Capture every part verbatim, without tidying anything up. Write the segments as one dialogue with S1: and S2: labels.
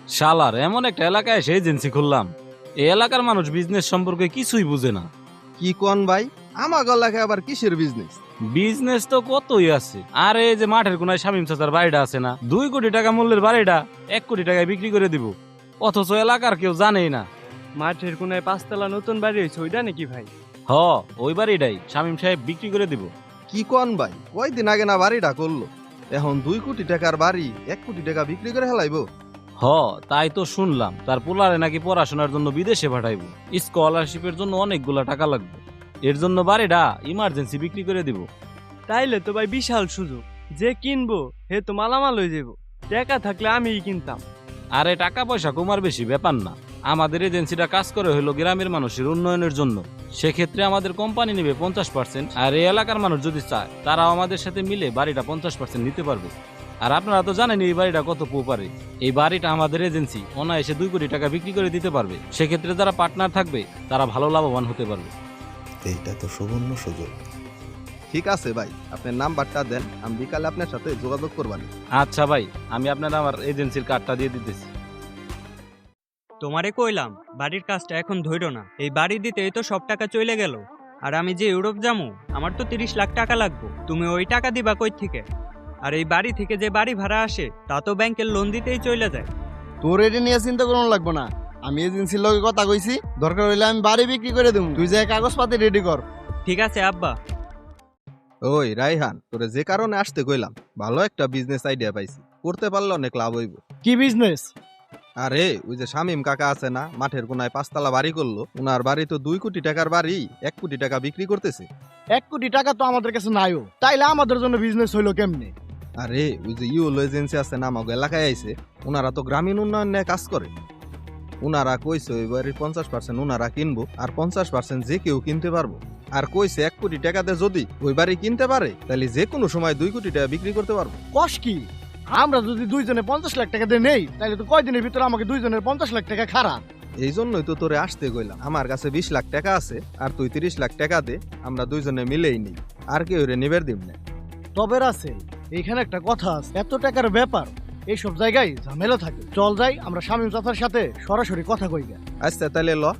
S1: শালার এমন একটা এলাকায় এসে এজেন্সি খুললাম, এই এলাকার মানুষ বিজনেস সম্পর্কে কিছুই বুঝে না।
S2: কি কোন ভাই, আমার গলাকে আবার কিসের বিজনেস?
S1: বিজনেস তো কতই আছে। আর এই যে মাঠের কোনায় শামীম চাচার বাড়িটা আছে না, দুই কোটি টাকা মূল্যের বাড়িটা এক কোটি টাকায় বিক্রি করে দিব, অথচ এলাকার কেউ জানেই না।
S3: মাঠের কোনায় পাঁচতলা নতুন বাড়ি হয়েছে, ওইটা নাকি ভাই?
S1: হ, ওই বাড়িটাই শামীম সাহেব বিক্রি করে দিব।
S2: কি কোন ভাই, কয়দিন আগে না বাড়িটা করলো, এখন দুই কোটি টাকার বাড়ি এক কোটি টাকা বিক্রি করে হেলাইবো?
S1: হ, তাই তো শুনলাম তার পোলারে নাকি পড়াশোনার জন্য বিদেশে পাঠাইবো, স্কলারশিপের জন্য অনেকগুলা টাকা লাগবে, এর জন্য বাড়িটা ইমার্জেন্সি বিক্রি করে দিব।
S3: তাইলে তো ভাই বিশাল সুযোগ, যে কিনবো হে তো মালামাল হয়ে যাবো। টাকা থাকলে আমিই কিনতাম।
S1: আরে টাকা পয়সা কমার বেশি ব্যাপার না, আমাদের এজেন্সিটা কাজ করে হলো গ্রামের মানুষের উন্নয়নের জন্য। সেক্ষেত্রে আমাদের কোম্পানি নেবে পঞ্চাশ পার্সেন্ট, আর এই এলাকার মানুষ যদি চায় তারাও আমাদের সাথে মিলে বাড়িটা পঞ্চাশ পার্সেন্ট নিতে পারবে। আর আপনারা তো জানেন এই বাড়িটা কত পোপারে, এই বাড়িটা আমাদের এজেন্সি অনায়াসে দুই কোটি টাকা বিক্রি করে দিতে পারবে। সেক্ষেত্রে যারা পার্টনার থাকবে তারা ভালো লাভবান হতে পারবে।
S4: এইটা তো সুবর্ণ সুযোগ।
S2: ঠিক আছে ভাই, আপনার নাম্বারটা দেন, আমি বিকালে আপনার সাথে যোগাযোগ করবানি।
S1: আচ্ছা ভাই, আমি আপনার আমার এজেন্সির কার্ডটা দিয়ে দিতেছি।
S5: তোমারে কইলাম বাড়ির কাজটা এখন ধইরো না, এই বাড়ি দিতেই তো সব টাকা চলে গেল। আর আমি যে ইউরোপ যামু, আমার তো তিরিশ লাখ টাকা লাগবে, তুমি ওই টাকা দিবা কই থেকে? আর এই বাড়ি থেকে যে বাড়ি ভাড়া আসে তা তো ব্যাংকের লোন দিতেই চলে যায়।
S6: তোর এটা নিয়ে চিন্তা করুন লাগবো না, আমি এজেন্সির লগে কথা কইছি, দরকার হইলে আমি বাড়ি বিক্রি করে দেবো, তুই যে কাগজপাতি রেডি কর।
S5: ঠিক আছে আব্বা।
S2: ওই রাইহান, তোরে যে কারণে আসতে কইলাম, ভালো একটা বিজনেস আইডিয়া পাইছি, করতে পারলে অনেক লাভ হইব।
S6: কি বিজনেস?
S2: আরে ওই যে শামীম কাকা আছে না, মাঠের কোনায় পাঁচতলা বাড়ি করলো, ওনার বাড়ি তো দুই কোটি টাকার বাড়ি এক কোটি টাকা বিক্রি করতেছে।
S6: এক কোটি টাকা তো আমাদের কাছে নাইও, তাইলে আমাদের জন্য বিজনেস হইলো কেমনে?
S2: আরে ওই যে ইউলো এজেন্সি আছে না, আমাকে এলাকায় আইছে, ওনারা তো গ্রামীণ উন্নয়ন নিয়ে কাজ করে। ওনারা কইছে ওই বাড়ির পঞ্চাশ পার্সেন্ট ওনারা কিনবো, আর পঞ্চাশ পার্সেন্ট যে কেউ কিনতে পারবো। আর কইছে এক কোটি টাকাতে যদি ওই বাড়ি কিনতে পারে, তাহলে যে কোনো সময় দুই কোটি টাকা বিক্রি করতে পারবো।
S6: কস কি? আমরা যদি দুইজনে পঞ্চাশ লাখ টাকা দিয়ে নেই, তাহলে তো কয়দিনের ভিতরে আমাকে দুইজনের পঞ্চাশ লাখ টাকা খারাপ।
S2: এই জন্যই তো তোরে আসতে কইলাম, আমার কাছে বিশ লাখ টাকা আছে, আর তুই তিরিশ লাখ টাকা দে, আমরা দুইজনে মিলেই নিই, আর কেউ রে নিবের দিব না।
S6: তবে আছে এইখানে একটা কথা আছে, এত টাকার ব্যাপার এইসব জায়গায় ঝামেলা থাকে। চল যাই, আমরা শামীম চাচার সাথে সরাসরি কথা কই গে।
S2: আচ্ছা তাহলে ল।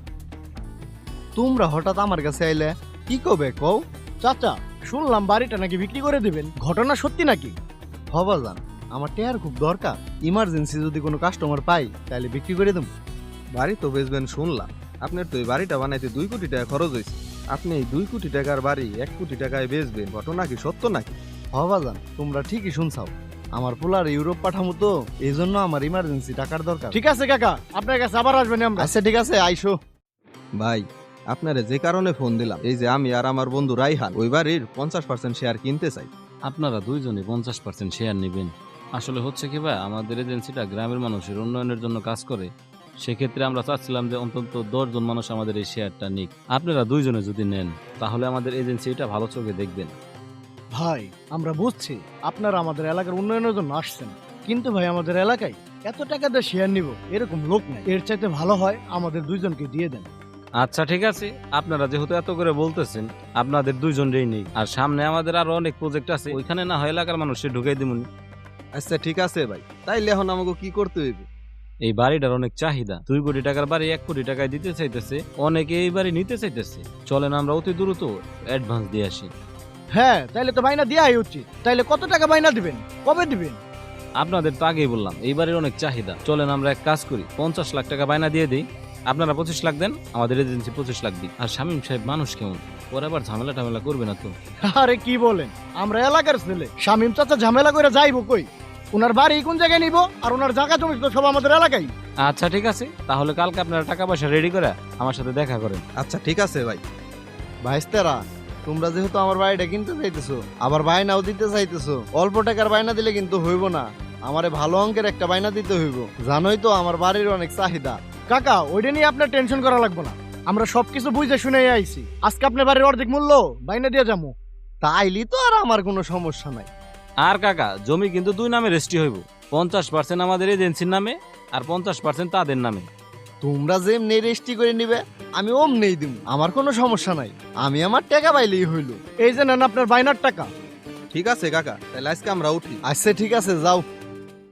S6: তোমরা হঠাৎ আমার কাছে আইলে, কি কবে কও? চাচা, শুনলাম বাড়িটা নাকি বিক্রি করে দিবেন, ঘটনা সত্যি নাকি? হবা জান, আমার টেয়ার খুব দরকার, ইমার্জেন্সি যদি কোনো কাস্টমার পাই তাহলে বিক্রি করে দেব।
S2: বাড়ি তো বেচবেন শুনলাম, আপনার তো এই বাড়িটা বানাইতে দুই কোটি টাকা খরচ হয়েছে, আপনি এই দুই কোটি টাকার বাড়ি এক কোটি টাকায় বেচবেন, ঘটনা কি সত্য নাকি?
S6: হবা জান, তোমরা ঠিকই শুনছাও, আমার পোলার ইউরোপ পাঠামু তো, এই জন্য আমার ইমার্জেন্সি টাকার দরকার। ঠিক আছে কাকা, আপনার কাছে আবার আসবেন আমরা। আচ্ছা ঠিক আছে, আইসো।
S2: ভাই, আপনারে যে কারণে ফোন দিলাম, এই যে আমি আর আমার বন্ধু রাইহান ওই বাড়ির পঞ্চাশ পার্সেন্ট শেয়ার কিনতে চাই।
S1: আপনারা দুইজনে পঞ্চাশ পার্সেন্ট শেয়ার নেবেন। আসলে হচ্ছে কি ভাই, আমাদের এজেন্সিটা গ্রামের মানুষের উন্নয়নের জন্য কাজ করে, সেক্ষেত্রে আমরা চাচ্ছিলাম যে অন্তত দশ জন মানুষ আমাদের এই শেয়ারটা নিক। আপনারা দুইজনে যদি নেন তাহলে আমাদের এজেন্সি এটা ভালো চোখে দেখবেন।
S6: ভাই, আমরা বুঝছি আপনারা আমাদের এলাকার উন্নয়নের জন্য আসছেন, কিন্তু ভাই আমাদের এলাকায় এত টাকা দিয়ে শেয়ার নিব এরকম লোক নাই, এর চাইতে ভালো হয় আমাদের দুইজনকে দিয়ে দেন।
S1: আচ্ছা ঠিক আছে, আপনারা যেহেতু এত করে বলতেছেন, আপনাদের দুইজনেই নেই, আর সামনে আমাদের আরো অনেক প্রজেক্ট আছে, ওইখানে না হয় এলাকার মানুষের ঢুকাই দিমুনি।
S2: আচ্ছা ঠিক আছে ভাই, তাইলে এখন আমাকে কি করতে হইবে?
S1: এই বাড়িটার অনেক চাহিদা, দুই কোটি টাকার বাড়ি এক কোটি টাকায় দিতে চাইতেছে, অনেকে এই বাড়ি নিতে চাইতেছে। চলেন আমরা অতি দ্রুত অ্যাডভান্স দিয়ে আসি।
S6: হ্যাঁ, তাইলে তো বাইনা দেওয়াই উচিত। তাইলে কত টাকা বাইনা দিবেন, কবে দিবেন?
S1: আপনাদের তো আগেই বললাম এই বাড়ির অনেক চাহিদা, চলেন আমরা এক কাজ করি, পঞ্চাশ লাখ টাকা বায়না দিয়ে দিই, আপনারা পঁচিশ লাখ দেন, আমাদের এজেন্সি পঁচিশ লাখ দিই। আর শামীম সাহেব মানুষ কেমন, পরে আবার ঝামেলা টামেলা করবে না তো?
S6: আরে কি বলেন, আমরা এলাকার ছেলে, শামীম চাচা ঝামেলা করে যাইবো কই? ওনার বাড়ি কোন জায়গায় নিব, আর ওনার জায়গা জমি তো সব আমাদের এলাকায়।
S1: আচ্ছা ঠিক আছে, তাহলে কালকে আপনারা টাকা পয়সা রেডি করে আমার সাথে দেখা করেন।
S2: আচ্ছা ঠিক আছে ভাই।
S6: ভাইস্তারা, তোমরা যেহেতু আমার বাড়িটা কিনতে চাইতেছো, আবার বায়নাও দিতে চাইতেছো, অল্প টাকার বায়না দিলে কিন্তু হইব না, আমারে ভালো অঙ্কের একটা বায়না দিতে হইব। জানোই তো আমার বাড়ির অনেক চাহিদা। কাকা, ওইটা নিয়ে আপনার টেনশন করা লাগবে না, আমরা সবকিছু বুঝে শুনে আইছি। আজকে আপনার বাড়ির অর্ধেক মূল্য বায়না দিয়ে যাবো, তাইলি তো আর আমার কোনো সমস্যা নাই।
S1: আর কাকা, জমি কিন্তু দুই নামে রেজিস্ট্রি হইব, পঞ্চাশ পার্সেন্ট আমাদের এজেন্সির নামে আর পঞ্চাশ পার্সেন্ট তাদের নামে।
S6: তোমরা যেমনি রেজিস্ট্রি করে নিবে আমি অমনেই দিব, আমার কোনো সমস্যা নাই, আমি আমার টাকা পাইলেই হইল। এই যে নেন আপনার বায়নার টাকা।
S2: ঠিক আছে কাকা, তাহলে আজকে আমরা উঠি।
S6: আচ্ছা ঠিক আছে, যাও।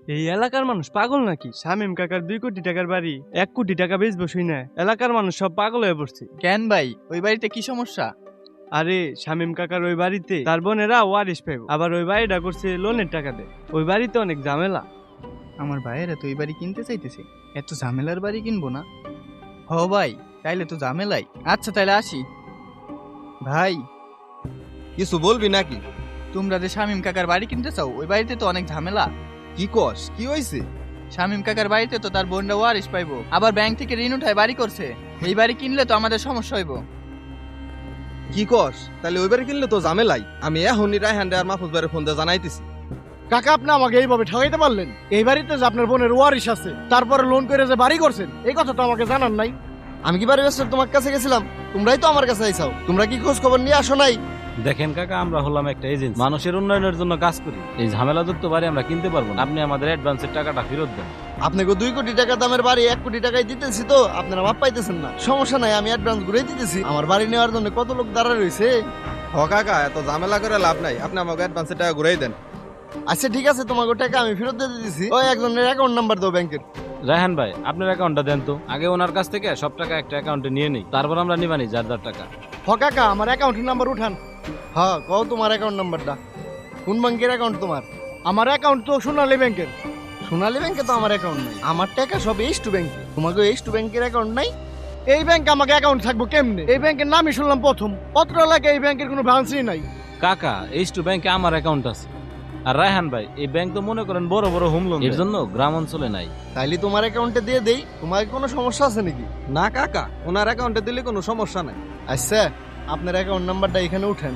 S3: এই এলাকার মানুষ পাগল নাকি? শামীম কাকার দুই কোটি টাকার বাড়ি এক কোটি টাকা বেচবো শুই না, এলাকার মানুষ সব পাগল হয়ে পড়ছে।
S7: কেন ভাই, ওই বাড়িতে কি সমস্যা?
S3: আরে শামীম কাকার ওই বাড়িতে তার বোনেরা ওয়ারিশ পাইব, আবার ওই বাড়িটা করছে লোনের টাকা দেয়। ওই বাড়িতে অনেক ঝামেলা।
S7: আমার ভাইয়েরা তো ওই বাড়ি কিনতে চাইতেছে, এত ঝামেলার বাড়ি কিনবো না। হ ভাই, তাইলে তো ঝামেলাই। আচ্ছা তাইলে আসি। ভাই,
S2: কিছু বলবি নাকি?
S7: তোমরা যে শামীম কাকার বাড়ি কিনতে চাও, ওই বাড়িতে তো অনেক ঝামেলা।
S2: কি কস? কি হয়েছে?
S7: শামীম কাকার বাড়িতে তো তার বোনরা ওয়ারিশ পাইবো, আবার ব্যাংক থেকে ঋণ উঠায় বাড়ি করছে। এই বাড়ি কিনলে তো আমাদের সমস্যা হইব।
S2: কি কস? তাহলে ওইবারে কিনলে তো ঝামেলাই। আমি এখনই রায়হান আর মাহফুজ ভাইয়ের ফোন দিয়ে জানাইতেছি।
S8: কাকা, আপনি আমাকে এইভাবে ঠকাইতে পারলেন? এই বাড়িতে যে আপনার বোনের ওয়ারিশ আছে, তারপরে লোন করে যে বাড়ি করছেন, এই কথা তো আমাকে জানান নাই।
S6: আমি কি বাড়ি ব্যস্ত তোমার কাছে গেছিলাম? তোমরাই তো আমার কাছে আইসাও। তোমরা কি খোঁজ খবর নিয়ে আসো নাই?
S1: দেখেন কাকা, আমরা হলাম একটা এজেন্সি, মানুষের উন্নয়নের জন্য কাজ করি। এই ঝামেলাযুক্ত বাড়ি আমরা কিনতে পারবো না। আপনি আমাদের অ্যাডভান্সের টাকাটা ফেরত দেন।
S6: আপনাকে দুই কোটি টাকা দামের বাড়ি এক কোটি টাকায় দিতেছি, তো আপনারা মাপ পাইতেছেন না। সমস্যা নাই, আমি অ্যাডভান্স ঘুরে দিতেছি। আমার বাড়ি নেওয়ার জন্য কত লোক দাঁড়ায় রয়েছে।
S2: হ কাকা, এত ঝামেলা করে লাভ নাই। আপনি আমাকে অ্যাডভান্সের টাকা ঘুরাই দেন।
S6: আচ্ছা ঠিক আছে, তোমাকে টাকা আমি ফেরত দিয়ে দিতেছি। ওই একজনের অ্যাকাউন্ট নাম্বার দাও ব্যাংকের।
S1: রায়হান ভাই, আপনার অ্যাকাউন্টটা দেন তো। আগে ওনার কাছ থেকে সব টাকা একটা অ্যাকাউন্টে নিয়ে নিই, তারপর আমরা নিবানি যার যার টাকা।
S8: হ কাকা, আমার অ্যাকাউন্টের নাম্বার উঠান।
S6: হ্যাঁ, কও তোমার অ্যাকাউন্ট নাম্বারটা। কোন ব্যাংকের অ্যাকাউন্ট তোমার?
S8: আমার অ্যাকাউন্ট তো সোনালী ব্যাংকের।
S6: সোনালী ব্যাংকে তো আমার অ্যাকাউন্ট নাই। আমার টাকা সব এইচ টু ব্যাংকে। তোমাকে এইচ টু ব্যাংকের অ্যাকাউন্ট নাই?
S8: এই ব্যাংকে আমাকে অ্যাকাউন্ট থাকবো কেমনে? এই ব্যাংকের নামই শুনলাম প্রথম। পত্র এলাকায় এই ব্যাংকের কোনো ব্রাঞ্চই নাই।
S1: কাকা, এইচ টু ব্যাংকে আমার অ্যাকাউন্ট আছে। আর রায়হান ভাই, এই ব্যাংক তো মনে করেন বড় বড় হোম লোন, এর জন্য গ্রাম অঞ্চলে নাই।
S6: তাইলে তোমার অ্যাকাউন্টে দিয়ে দেই। তোমার কোনো সমস্যা আছে নাকি?
S2: না কাকা, ওনার অ্যাকাউন্টে দিলে কোনো সমস্যা নাই।
S6: আচ্ছা, আপনার অ্যাকাউন্ট নাম্বারটা এখানে উঠেন।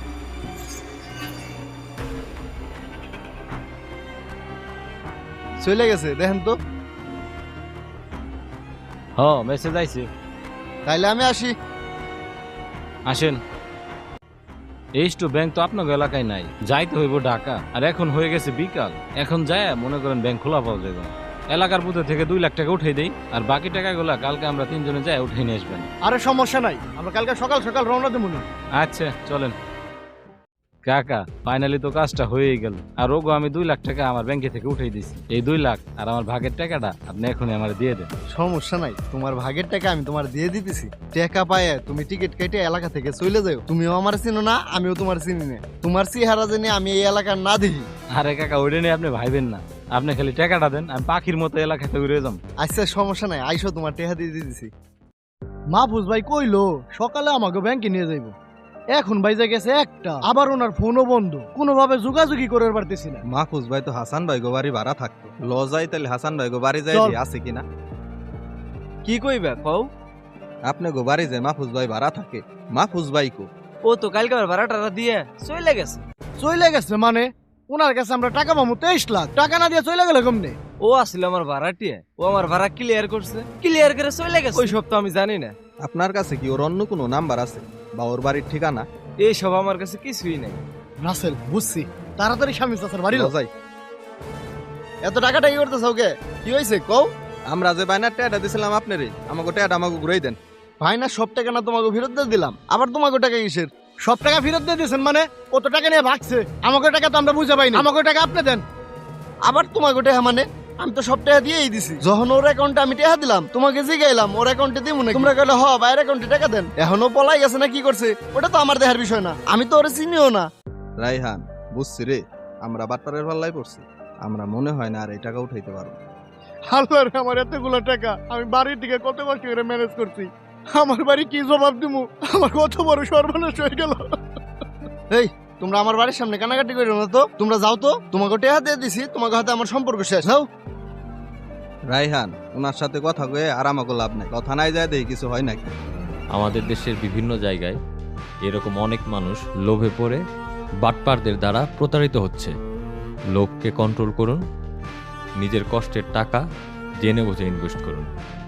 S6: চলে গেছে, দেখেন তো।
S1: হ, মেসেজ আইছে।
S6: তাইলে আমি আসি।
S1: আসেন। এইচ টু ব্যাংক তো আপনার এলাকায় নাই, যাইতে হইব ঢাকা। আর এখন হয়ে গেছে বিকাল, এখন যায় মনে করেন ব্যাংক খোলা পাওয়া যাবে। এলাকার বুথে থেকে দুই লাখ টাকা উঠাই দেই, আর বাকি টাকাগুলা কালকে আমরা তিনজনে যাই উঠে নিয়ে আসবেন।
S8: আরে সমস্যা নাই, আমরা কালকে সকাল সকাল রওনা দেবো না।
S1: আচ্ছা চলেন। কাকা, ফাইনালি তো কাজটা হয়েই গেল। আর ওগো আমি দুই লাখ টাকা আমার ব্যাংকে থেকে উঠাই দিছি। এই দুই লাখ আর আমার ভাগের টাকাটা আপনি এখনই আমার দিয়ে দেন।
S6: সমস্যা নাই, তোমার ভাগের টাকা আমি তোমার দিয়ে দিতেছি। টাকা পায়ে তুমি টিকিট কেটে এলাকা থেকে চলে যাও। তুমিও আমার চিনো না, আমিও তোমার চিনি না। তোমার চেহারা জেনে আমি এই এলাকার না দেখি।
S1: আরে কাকা, ওইটা নিয়ে আপনি ভাইবেন না। আপনি খালি টাকাটা দেন, আমি পাখির মতো এলাকাতে উড়ে যাম।
S6: আচ্ছা সমস্যা নাই, আইসো, তোমার টাকা দিয়ে দিতেছি।
S8: মাহফুজ ভাই কইলো সকালে আমাকে ব্যাংকে নিয়ে যাইবো। এখন বাইজা গেছে একটা, আবার ওনার ফোনও বন্ধ, কোনোভাবে যোগাযোগই করে পারতেছি না।
S2: মাহফুজ ভাই তো হাসান ভাই গো বাড়ি ভাড়া থাকতো। ল যাই তাহলে হাসান ভাই গো বাড়ি যাই,
S8: চল।
S2: আছে কিনা
S3: কি কইবা কও?
S2: আপনি গো বাড়ি যায় মাহফুজ ভাই ভাড়া থাকে। মাহফুজ ভাই কো?
S3: ও তো কালকে আবার ভাড়া টাড়া দিয়ে চলে গেছে।
S8: চলে গেছে মানে? ওনার কাছে আমরা টাকা পাবো তেইশ লাখ, টাকা না দিয়ে চলে গেল কেমনে?
S3: ও আসলে আমার ভাড়াটিয়া, ও আমার ভাড়া ক্লিয়ার করছে, ক্লিয়ার করে চলে গেছে। ওই সব তো আমি জানি না।
S2: আপনার কাছে কি ওর অন্য কোনো নাম্বার আছে বা ওর বাড়ির ঠিকানা?
S3: এই সব আমার কাছে কিছুই নাই।
S8: রাসেল, বুঝছি, তাড়াতাড়ি স্বামী চাচার বাড়ি
S2: ল
S8: যাও।
S2: যাই।
S6: এত টাকাটা কি করতেছ ওকে? কি হয়েছে কও?
S2: আমরা যে বাইনার টাকা দিছিলাম আপনারে, আমাকে টাকা আমাকে ঘুরাই দেন।
S6: ভাই না, সব টাকা না তোমাকে ফেরত দিয়ে দিলাম, আবার তোমাকে টাকা কিসের?
S8: সব টাকা ফেরত দিয়ে দিয়েছেন মানে? কত টাকা নিয়ে ভাগছে? আমাকে টাকা তো আমরা বুঝে পাইনি। আমাকে টাকা আপনি দেন।
S6: আবার তোমাকে টাকা মানে? আমি তো সব টাকা দিয়েই দিছি। যখন ওর অ্যাকাউন্টে আমি টাকা দিলাম, তোমাকে জিগাইলাম ওর অ্যাকাউন্টে দিব না, তোমরা কইলে হ বাইরের অ্যাকাউন্টে টাকা দেন। এখনো পলাই গেছে না কি করছে, ওটা তো আমার দেখার বিষয় না। আমি তো ওরে চিনিও না।
S2: রাইহান, বুঝছি রে, আমরা বাটপারের পাল্লাই পড়ছি। আমরা মনে হয় না আর এই টাকা উঠাইতে পারবো।
S8: আল্লাহ রে, আমার এতগুলো টাকা আমি বাড়ির দিকে কত কষ্ট করে ম্যানেজ করছি। আমার বাড়ি কি জবাব দিমু? আমার কত বড় সর্বনাশ হয়ে গেল।
S6: এই, তোমরা আমার বাড়ির সামনে কানাকাটি করো না তো। তোমরা যাও তো, তোমাকে টাকা দিয়ে দিছি, তোমাকে হাতে আমার সম্পর্ক শেষ। যাও।
S2: রাইহান, ওনার সাথে কথা কয়ে আর আমাকে লাভ নাই। কথা নাই যায় দেখি কিছু হয় নাকি।
S9: আমাদের দেশের বিভিন্ন জায়গায় এরকম অনেক মানুষ লোভে পড়ে বাটপারদের দ্বারা প্রতারিত হচ্ছে। লোককে কন্ট্রোল করুন, নিজের কষ্টের টাকা জেনে বুঝে ইনভেস্ট করুন।